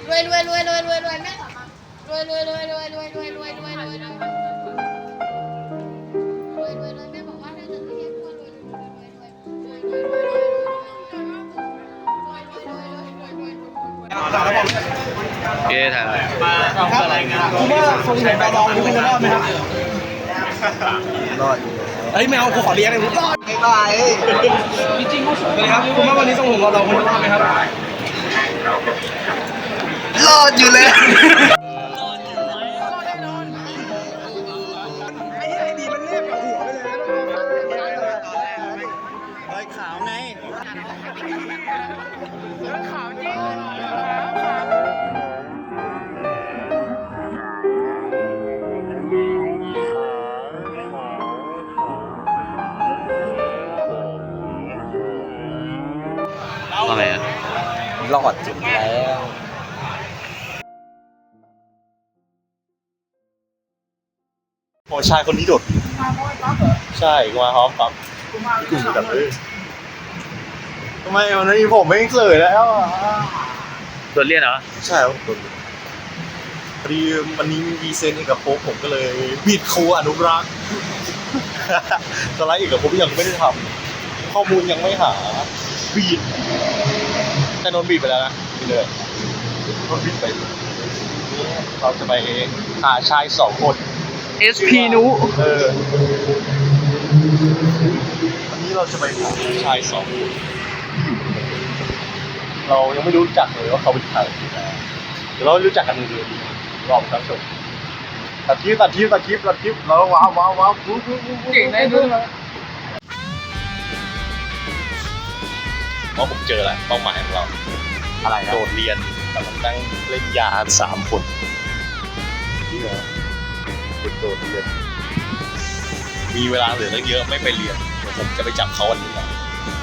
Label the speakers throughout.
Speaker 1: รวยแม่สามารถรวยแม่บอกว่าถ้าจะให้พูดรวย
Speaker 2: เอ๊ะถ่ายอะไร
Speaker 3: อะไรเงี้ยผมว่าทรงแบบลองคุณจะรอดไหมครับรอดเฮ้ยแมวกูขอเลี้ยงเลยรอดไม่ตายจริงๆสวัสดีครับคุณว่าวันนี้ทรงผมเราคุณจะรอดไหมครับรอดอยู่เลยขาวไงขาวจริง
Speaker 2: อะไรอ่ะ
Speaker 3: รอดจุดแล้ว
Speaker 4: โอ้ชายคนนี้โดดใช่มาพร้อมปั๊บกลุ่มแบบทำไมวันนี้ผมไม่เคยแล้วอ่ะ
Speaker 2: โดนเรียกเหรอ
Speaker 4: ใช่ครับผมพอดีวันนี้มีเซนเอกภพผมก็เลยบิดครูอนุรักษ์สไลด์เอกภพยังไม่ได้ทำข้อมูลยังไม่หาบีดแต่นนบีดไปแล้วนะบีดเลยนนบีดไปเราจะไปหาชาย2 คน
Speaker 2: SP นุ
Speaker 4: วันนี้เราจะไปหาชาย2 คนเรายังไม่รู้จักเลยว่าเขาเป็นใครเดี๋ยวเรารู้จักกันดูลองครับชมตัดคลิปแล้วว้าวเก่งได้ด้วยเพราะผมเจอแล้วเป้าหมายของเราอะไรโดดเรียนแต่มันนั่งเล่นยา3 คนที่เหรอโดดเรียนมีเวลาเหลือตั้งเยอะไม่ไปเรียนเดี๋ยวผมจะไปจับเขาวันนี้นะ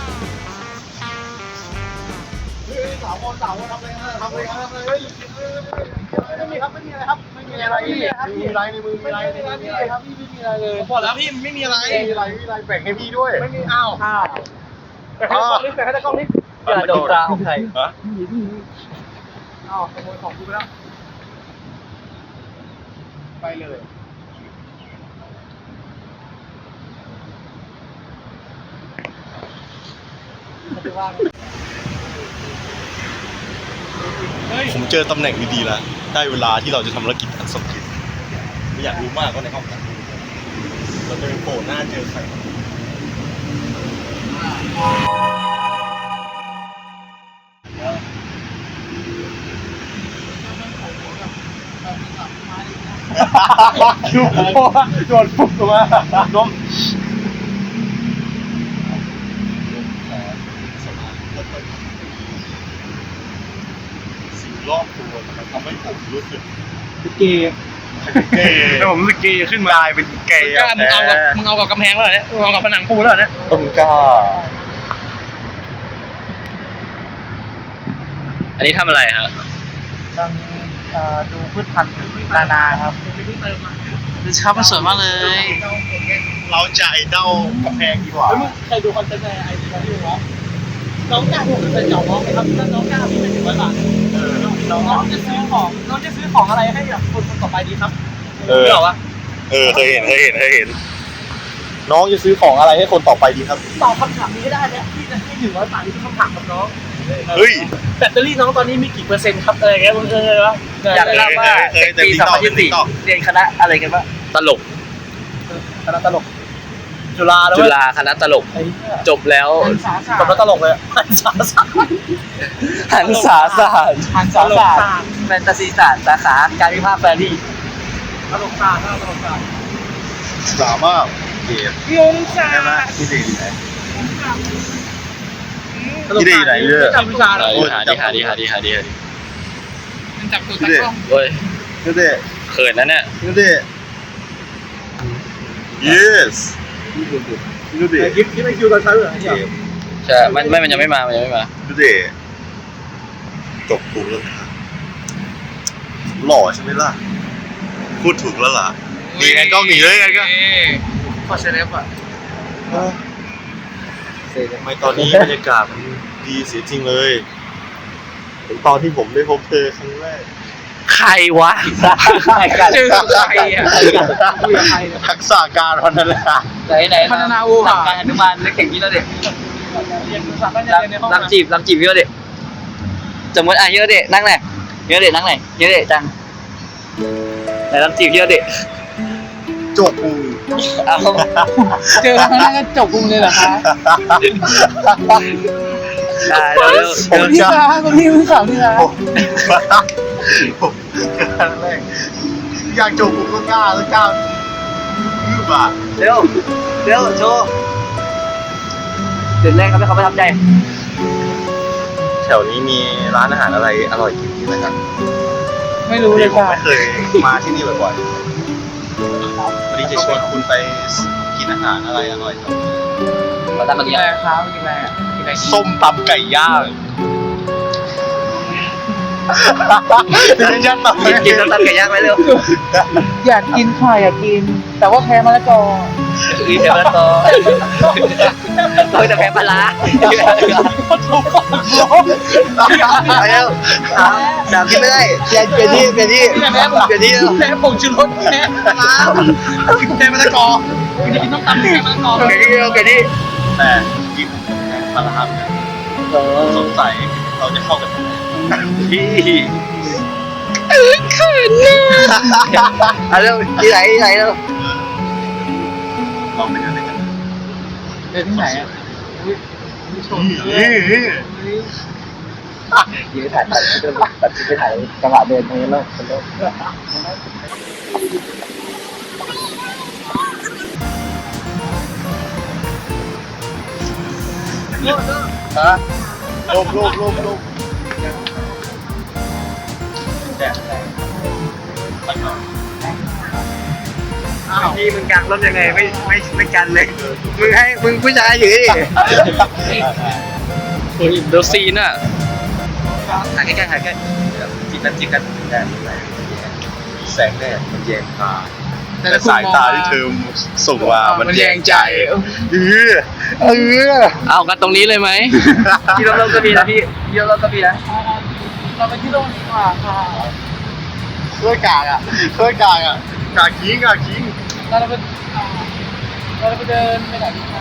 Speaker 4: สาวคนทำเลยไม่มีครับไม่มีอะไรครับไม่มีอะไรมีอะไรในมือมีอะไรในมือมีอะไรครับพี่ไม่มีอะไรเลยบอกแล้วพี่ไม่มีอะไรแบ่งให้พี่ด้วยไม่มีอ้าวแบ่งให้กล้องนิดแบ่งให้กล้องนิดอย่าโดนตาของใครฮะอ้าวขโมยของกูไปแล้วไปเลยผมเจอตำแหน่งดีๆแล้วได้เวลาที่เราจะทำธุรกิจอันสมคิดไม่อยากรู้มากว่าในห้องนั้นเราจะไปโผล่หน้าเจอใครโดนปุ๊บลงมาล้มรอบตัวมันทำให้ผมรู้สึกเกย์แล้วผมรู้สึกเกย์ขึ้นมากลายเป็นเกย์มึงเอากับกำแพงแล้วเนี่ยมึงเอากับผนังปูแล้วเนี่ยต้นกล้า
Speaker 2: อันนี้ทำอะไรฮะ
Speaker 3: ดูพืชพันธุ์นานาครับดูชอบมันสวยมากเลย
Speaker 4: เราจ่ายเด้ากำแพงดีกว่า
Speaker 3: แล้วมึงเคยดูคอนเทนต์ในไอจีของพี่มั้ยน้องกล้าผมเป็นเจ้าน้องไหมครับถ้าน้องกล้าพี่เป็น100 บาทน้องจะซื้อของอะไรให้กับคนต่อไปดีครับไม่หรอวะ
Speaker 4: เคยเห็นน้องจะซื้อของอะไรให้คนต่อไปดีครับ
Speaker 3: ตอบคำถามนี้ก็ได้นะพี่จะให้100 บาทนี่คือคำถามกับน้อง
Speaker 4: เฮ้ย
Speaker 3: แบตเตอรี่น้องตอนนี้มีกี่เปอร์เซ็นต์ครับอะไรเงี้ยมึงเลยวะอยากทราบว่าปี2024เรียนคณะอะไรกันบ้าง
Speaker 2: ตลก
Speaker 3: คณะตลกจุฬา
Speaker 2: คณะตลกจบแล้ว
Speaker 3: จบแล้วตลกเลยหันษาศาสตร์แฟนตาซีศาสตร์สาขาการวิพากษ์แฟรี่ตลกศาสตร์
Speaker 4: สามารถเกม
Speaker 3: ยงศาสตร์
Speaker 4: ที่ดีไหนที่ดีไหนเยอะ
Speaker 3: จำวิชาอะไร
Speaker 2: หาดี
Speaker 3: มันจับตัวตั้งกล้อง
Speaker 2: เฮ้ย
Speaker 4: นี่เด็ก
Speaker 2: เขินนะเนี่ย
Speaker 4: นี่เด็ก yes นี่เด็ก
Speaker 3: กิ๊บไม่คิวตอนเช้าเหรอ
Speaker 2: ใช่มันยังไม่มา
Speaker 4: นี่เด็กจบถูกแล้วหล่อใช่ไหมล่ะพูดถูกแล้วล่ะดีไงกล้องหนีเลยไงก็
Speaker 3: พอเชฟอ่ะ
Speaker 4: ทำไมตอนนี้บรรยากาศมันดีเสียจริงเลยตอนที่ผมได้พบเธอครั้งแรก
Speaker 2: ใครวะเจอใครอ่ะ
Speaker 4: ทักษะการพัฒนา
Speaker 2: ไหนพัฒนาอูหลักการอนุบาลในเข่งพี่เราเด็ก
Speaker 3: เรียนภาษาบ้านเรียนในห้อง
Speaker 2: ลำจีบพี่เราเด็กสมมติฮิโรเดะนั่งไหนฮิโรเดะนั่งไหนฮิโรเดะจังไหนลำจีบฮิโรเดะ
Speaker 4: จบกู
Speaker 2: เอา
Speaker 3: เจอครั้งแรกก็จบกรุงเลยเหรอคะ
Speaker 2: เร็ว
Speaker 3: คุณพี่คะคุณพี่เพิ่งข่าวนี่นะ
Speaker 4: ผมครั้งแรกอยากจบกูก็กล้ายืดบ่า
Speaker 2: เร็วโชว์จุดแรกทำให้เขาประทับใจ
Speaker 4: แถวนี้มีร้านอาหารอะไรอร่อยกินไหมครับ
Speaker 3: ไม่รู้เลย
Speaker 4: ผม
Speaker 3: ค่ะ
Speaker 4: ไม่เคยมาที่นี่บ่อยๆวันนี้จะชวนคุณไปกินอาหารอะไรอร่อยครับ
Speaker 2: เราตั้งกัน
Speaker 3: กิน
Speaker 2: ยัง
Speaker 3: อะไรครับกินอะไรอ่ะกินอะไร
Speaker 4: ส้มตำไก่ย่างยันตำ
Speaker 2: กินน้ำตาลไก่ย่างไหมเร็ว
Speaker 3: อยากกินค่ะอยากกิน แต่ว่าแพ้มะละกอ
Speaker 2: กินเดี๋ยวแล้วก็ต้องจะแพ้ปลาร้า
Speaker 4: ไปแล้วสามกินไม่ได้เปลี่ยนที่เปลี่ยนที่
Speaker 3: แพ้ผงชูรสแพ้แพ้มะละกออยากกินน้ำตำแพ้มะละกอ
Speaker 2: เกิดที่
Speaker 4: แต่กินปลาร้าเนี่ยสงสัยเราจะเข้ากันไหม
Speaker 2: พี่
Speaker 3: ขันน่ะ
Speaker 2: เอาเร็วที่ไหนเร็ว
Speaker 4: ลองไปเดินด้วยกัน
Speaker 3: เดินที่ไหนอ่ะ
Speaker 2: ยืนถ่ายตัดไปถ่ายจังหวะเดินตรงนี้แล้วคนเร็ว
Speaker 4: ฮะลบ
Speaker 2: พี่มึงกางรถยังไงไม่กันเลยมึงผู้ชายอยู่ดิโอ้ยเดซีนอ่ะถ่ายใกล้จิกกัน
Speaker 4: แสงแดดมันแยงตาแต่สายตาที่เธอส่งมามันแยงใจ
Speaker 2: เอากันตรงนี้เลยไหมที่เราก็มีนะพี่ที่เราก็มีนะ
Speaker 3: เราไปที่โรงดีกว่าค่ะ
Speaker 4: ช่วยกากอ่ะกากคิง
Speaker 3: เราไปเดินไปไหนดีคะ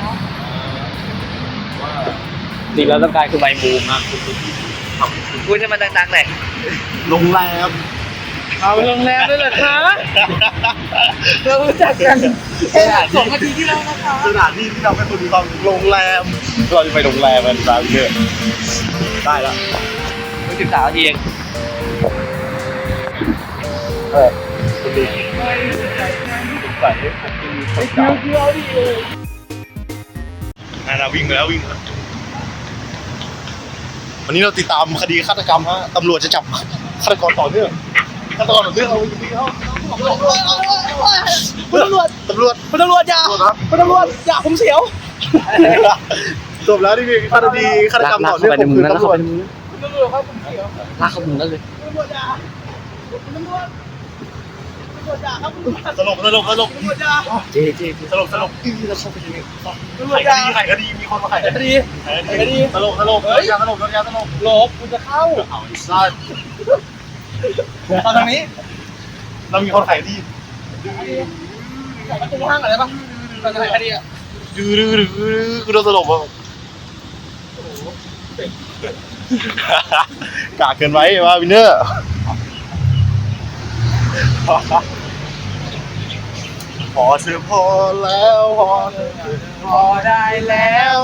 Speaker 2: สิ่งเราต้องการคือไมค์บูมนะพูดให้มันดังๆหน่อย
Speaker 4: โรงแรม
Speaker 3: เอาไปโรงแรมด้วยเหรอคะเรารู้จักกันแค่2 นาทีที่แล้วนะคะ
Speaker 4: สถานที่ที่เราเป็นคนมีความโรงแรมเราจะไปโรงแรมกันตามเพื่อนได้แล้ว
Speaker 2: มึง13 นาทีเอง
Speaker 4: คุณดีใส่ให้ผมจะมีคนเก่าเราวิ่งแล้ววันนี้เราติดตามคดีฆาตกรรมฮะตำรวจจะจับฆาตกรต่อเนื่องเอาไปยิงเขาตำรวจอย่าผมเสียวจบแล้วนี่คือคดีฆาตกรรมต่อเนื่องของตำรวจ
Speaker 3: ครับผมเสียว
Speaker 2: ลากเข้ามุมนั้นเลย
Speaker 3: ตำรวจอย่าครับตำรวจ
Speaker 4: สลบ
Speaker 3: ตำรวจอย่า
Speaker 2: เจ๊
Speaker 4: สลบ
Speaker 3: ตำรวจ
Speaker 4: ไข
Speaker 3: อย่า
Speaker 4: คดีมีคนมาไขคดี
Speaker 3: คดี
Speaker 4: สลบโดนยาสลบ
Speaker 3: หลบกูจะเข้า
Speaker 4: เอาอีซ่า
Speaker 3: ตอนนี้
Speaker 4: เรามีคนไขดี
Speaker 3: ใส่ประตูห้างอะไรปะตอนไหนคดีอ่ะ
Speaker 4: ดื้อกูโดนสลบอ่ะกากเกินไว้ว่าวินเนอร์พอเธอพอแล้วพอได้แล้ว